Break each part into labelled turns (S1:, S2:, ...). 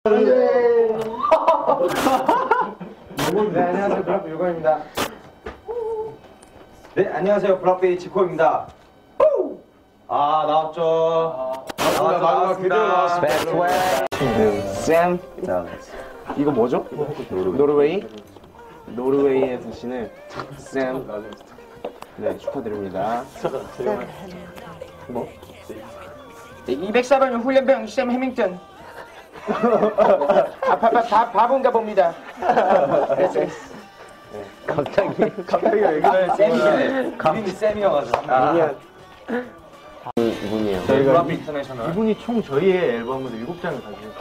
S1: 네, 안녕하세요. 블락비 유건입니다. 네, 안녕하세요. 블락비 지코입니다. 아, 나왔죠. 마지막 드디어 나왔습니다.
S2: 쌤. 자, 이거 뭐죠? 노르웨이? 노르웨이에 사시는 쌤. 네, 축하드립니다. 뭐?
S3: 204번 훈련병 샘 해밍턴. 바본가 봅니다.
S2: 갑자기 왜 그래?
S1: 쌤이네. 이름이 쌤이어가지고.
S2: 이분이에요.
S1: 저희가 블락비 인터내셔널.
S4: 이분이 총 저희의 앨범을 7장을 가지고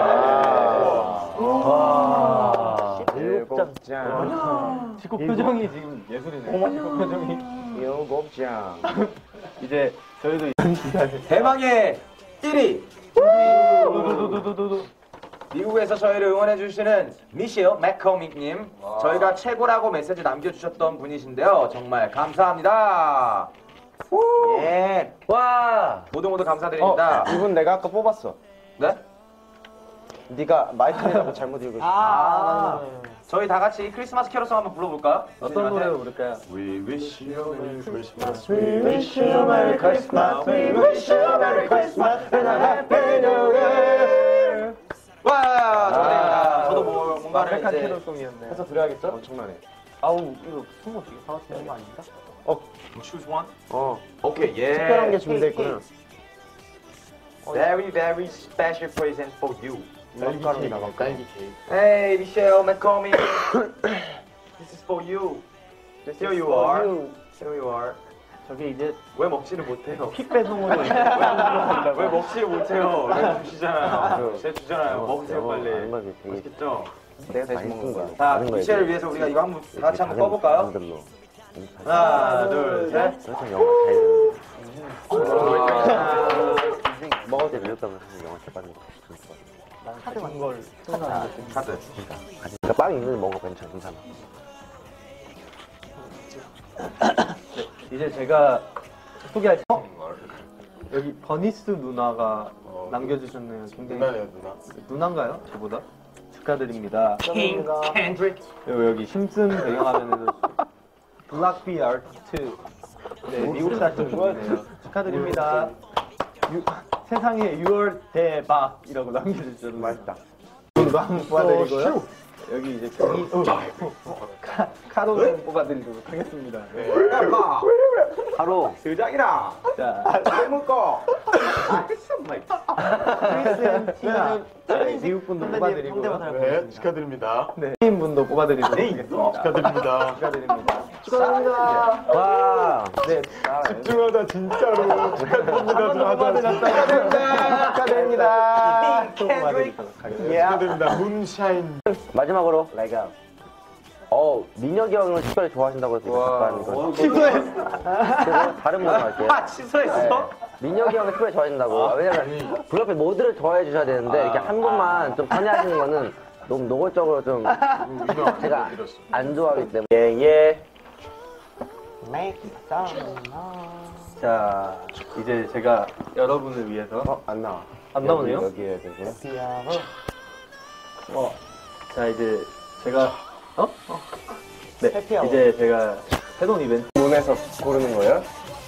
S4: 있어요.
S2: 7장.
S4: 지코 표정이 지금 예술이네요. 지코 표정이.
S2: 7장.
S4: 이제 저희도
S1: 대망의 1위.
S4: 도도도도도도.
S1: 미국에서 저희를 응원해주시는 미셸 맥커믹님. 저희가 최고라고 메시지 남겨주셨던 분이신데요. 정말 감사합니다.
S2: 예. 와.
S1: 모두 감사드립니다.
S2: 이분 내가 아까 뽑았어.
S1: 네?
S2: 네가 마이클이라고 잘못 읽으셨어.
S1: 저희 다 같이 크리스마스 캐롤송 한번 불러볼까요?
S4: 어떤 노래를 부를까요?
S1: We wish you a Merry Christmas.
S2: We wish you a Merry Christmas. We wish you a Merry Christmas and a Happy New Year.
S1: 와, 축하드립니다. 저도 뭔가를
S4: 완벽한
S1: 이제
S4: 캐롤송이었네.
S1: 해서 드려야겠죠?
S2: 엄청나네.
S4: 아우 이거 스모 되게 사왔는 거 아닌가?
S1: Choose one.
S2: 어.
S1: 오케이, 예.
S2: 특별한 게 준비되어 있구나.
S1: Very, very special present for you.
S2: 딸기 나갈까?
S4: 딸기 케이크.
S1: Hey, Michelle McCormick. This is for you. Here you are. Here you are.
S4: 저게 이제
S1: 왜 먹지를 못해요?
S4: 픽 배송으로
S1: 왜 먹지를 못해요? 왜 주시잖아요. 제가 주잖아요. 먹으세요 빨리. 맛있겠죠?
S2: 내가 다시 먹는 거야.
S1: 자, 미셸을 위해서 우리가 이거 한번 다 같이 한번 꺼볼까요? 하나, 둘, 셋.
S2: 먹을 때 밀렸다면 사실 영화 제빵인 거.
S4: 카드 같은 걸
S1: 카드.
S2: 그러니까 빵 있는데 먹어 괜찮아.
S4: 이제 제가 소개할 여기 버니스 누나가 남겨주셨네요. 굉장히 누나인가요? 저보다 축하드립니다.
S1: 킹 캔드릭.
S4: 그리고 여기 심슨 배경화면에도 블락비 아티스트 네, 미국 사진 분이네요. 축하드립니다. 세상에 6월 대박이라고 남겨주셔서 맛있다. 이거 한번 뽑아드리고요. 여기 이제 카로 좀 뽑아드리도록 하겠습니다. 네.
S2: 바로
S1: 드장이라.
S4: 자,
S1: 잘 먹고.
S4: 크리스앤티나 미국 분도 뽑아드리고요.
S5: 네, 축하드립니다.
S4: 네, 스페인 분도 뽑아드리도록 하겠습니다.
S5: 축하드립니다.
S4: 축하드립니다.
S2: 와.
S4: 네,
S5: 집중하다 진짜로 축하드립니다.
S4: 축하드립니다. 또 뽑아드리도록 하겠습니다.
S5: 축하드립니다. 문샤인.
S2: 마지막으로 라이가 민혁이 형을 특별히 좋아하신다고 해서 잠깐 이거
S1: 취소했어.
S2: 다른 분으로 할게요.
S1: 취소했어?
S2: 민혁이 형을 특별히 좋아하신다고. 왜냐면 블럭비 모두를 좋아해 주셔야 되는데 이렇게 한 분만 좀 편애하시는 거는 너무 노골적으로 좀 제가 안 좋아하기 때문에. 예.
S4: 자, 이제 제가 여러분을 위해서
S2: 안 나와.
S4: 안 나오네요?
S2: 여기에 되고요.
S4: 자, 이제 제가 네, 이제 제가 새로운 이벤트
S2: 문에서 고르는 거예요?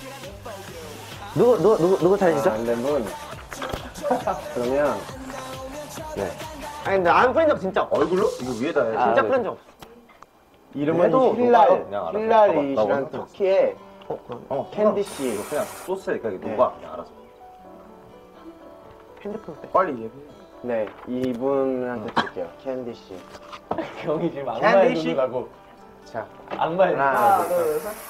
S2: 누구 차례시죠?
S4: 안 된 분.
S2: 그러면 네.
S3: 아니 근데 안 프린 적 진짜 없어.
S1: 얼굴로? 이거 위에다 해.
S3: 진짜 프린 적 없어.
S2: 이름은 힐랄이시란 터키의 캔디 씨.
S1: 그냥 소스에 그냥 녹아. 그냥 알아서.
S3: 핸드폰 빼.
S1: 빨리 얘기해.
S2: 네, 이분한테 드릴게요. 캔디 씨.
S4: 경이 지금 악마의 눈을 가고
S2: 자,
S4: 악마의 눈.
S2: 하나, 둘, 셋.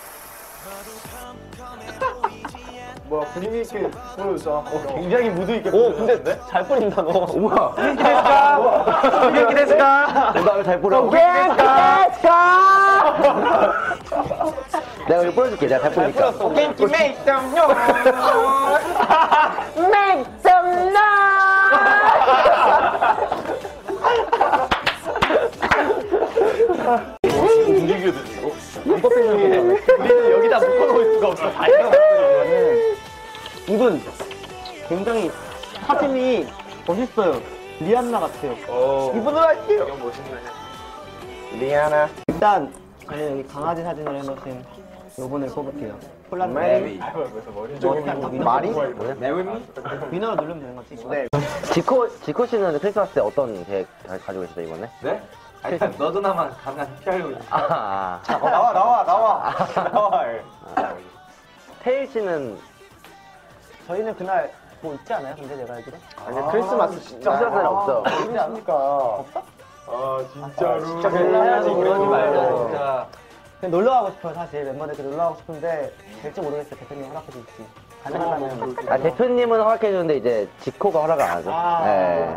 S4: 뭐야 분위기 있게 보여줘. 굉장히 무드 있게.
S3: 오 근데 잘 뿌린다 너.
S2: 우와.
S1: 이렇게 됐을까?
S2: 나를 잘 뿌려. 내가 이거 뿌려줄게. 내가 잘 뿌리니까.
S3: Can you make some noise? Make some noise.
S4: 우리는 여기다 묶어놓을 수가 없어. 다
S3: 이분 굉장히 사진이 멋있어요.
S4: 리안나 같아요.
S1: 이분으로 할게요. 리아나.
S4: 일단 저는 여기 강아지 사진을 해놓으신 요분을 뽑을게요. 폴라드 메리.
S1: 말이?
S4: 위너로 누르면 되는 거지.
S1: 네.
S2: 지코 씨는 크리스마스 때 어떤 계획 가지고 계시죠 이번에?
S3: 네? 아니, 너도 나만 가면 피하려고 있어.
S1: 나와.
S2: 태일 씨는
S4: 저희는 그날 뭐 있지 않아요? 근데 내가 알기로?
S1: 아니 크리스마스 진짜.
S2: 크리스마스는 없어.
S4: 있지 않습니까? 없어?
S5: 아 진짜로.
S1: 진짜
S3: 해야지, 그러지 말자,
S4: 어.
S3: 진짜.
S4: 그냥 놀러 가고 싶어요 사실 멤버들끼리 놀러 가고 싶은데 될지 모르겠어요. 대표님 허락해 줄지. 가능하다면.
S2: 아 대표님은 허락해 주는데 이제 지코가 허락을 안 하죠. 네.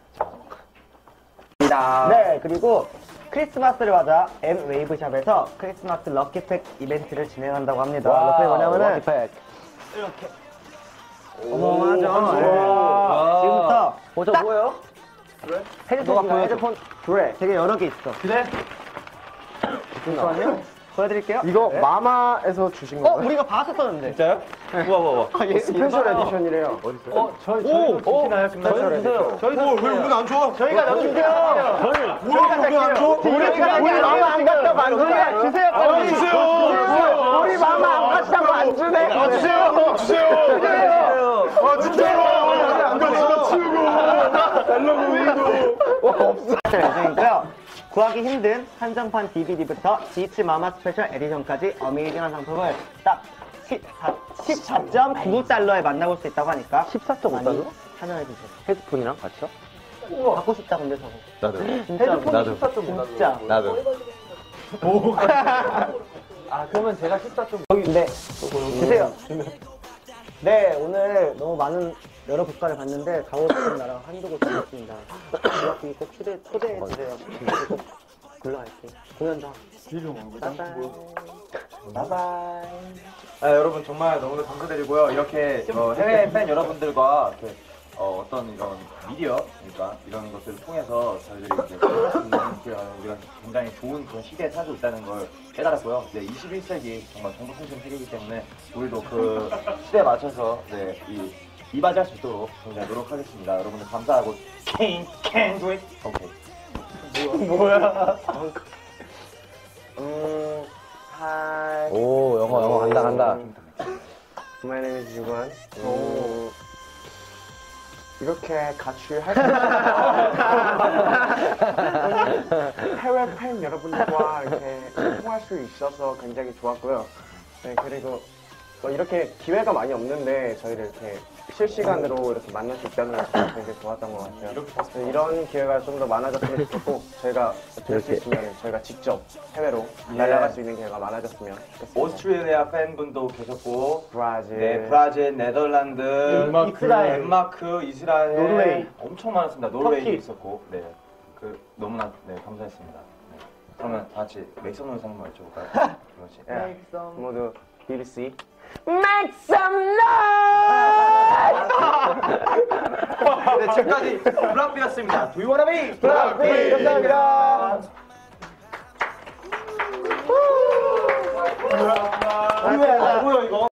S4: 네, 그리고 크리스마스를 맞아 M 웨이브샵에서 크리스마스 럭키팩 이벤트를 진행한다고 합니다. 럭키팩 뭐냐면은
S2: 럭키팩.
S4: 이렇게 어마어마하죠. 네.
S3: 와.
S4: 지금부터
S2: 저 뭐예요?
S4: 헤드폰인가요?
S2: 헤드폰.
S4: 그래. 되게 여러 개 있어.
S1: 그래?
S4: 잠시만요. 보여드릴게요.
S1: 이거
S4: 네.
S1: 마마에서 주신 거예요?
S4: 우리가 봤었었는데.
S3: 진짜요? 우와.
S1: 스페셜 에디션이래요.
S4: 저희도 주세요.
S5: 왜 우리가 안 줘?
S4: 저희가 넣어주세요.
S5: 뭐야 왜안 줘?
S1: 우리 마마 안 갔다고 안 주네. 주세요. 빨리.
S5: 주세요.
S1: 우리 마마 안 갔다고 안 주네.
S5: 주세요. 아 진짜로. 이거 집어 치우고 달라고 우리도.
S4: 예정이고요. 구하기 힘든 한정판 DVD부터 지치 마마 스페셜 에디션까지 어메이징한 상품을 딱 14.99달러에 만나볼 수 있다고 하니까
S2: 14.5달러?
S4: 참여해주세요.
S2: 헤드폰이랑 같이요?
S4: 갖고 싶다 근데 저거.
S3: 나도.
S4: 진짜로.
S3: 나도.
S4: 진짜.
S3: 나도.
S4: 아 그러면 제가 14점 네 주세요. 네 오늘 너무 많은 여러 국가를 봤는데 가고 싶은 나라 한두 곳 있습니다. 여기 꼭 초대해 주세요. 꼭 불러갈게요. 공연장. 바이바이.
S3: 여러분 정말 너무나 감사드리고요. 이렇게 해외 팬 여러분들과 이렇게 어떤 이런 미디어, 그러니까 이런 것들을 통해서 저희들이 이렇게 볼수 있는 우리가 굉장히 좋은 그런 시대에 살고 있다는 걸 깨달았고요. 네, 21세기 정말 정보통신 세계이기 때문에 우리도 그 시대에 맞춰서 이바지할 수 있도록 굉장히 노력하겠습니다. 여러분들 감사하고 can't do it. 오케이.
S1: 뭐야?
S2: 오 영어 간다.
S1: My name is 유관. 이렇게 같이 할 수 해외 팬 여러분들과 이렇게 통할 수 있어서 굉장히 좋았고요. 네, 그리고 이렇게 기회가 많이 없는데 저희를 이렇게 실시간으로 이렇게 만날 수 있다는 것도 굉장히 좋았던 것 같아요. 네, 이런 기회가 좀 더 많아졌으면 좋겠고 저희가 될 수 있으면 저희가 직접 해외로 날아갈 수 있는 기회가 많아졌으면 좋겠습니다.
S3: 오스트레일리아 팬분도 계셨고,
S1: 브라질,
S3: 네, 브라질, 네덜란드,
S4: 이스라엘,
S3: 덴마크, 이스라엘,
S4: 노르웨이.
S3: 엄청 많았습니다. 노르웨이도
S4: 터키.
S3: 있었고, 네, 너무나 감사했습니다. 네. 그러면 다 같이 맥성 노래 한번 외쳐볼까요? 그렇지.
S1: 네, 모두 BBC
S2: Make some
S3: 네, 지금까지 블락비였습니다. Do you wanna be?
S1: 블락비 감사합니다.
S3: 뭐야 이거?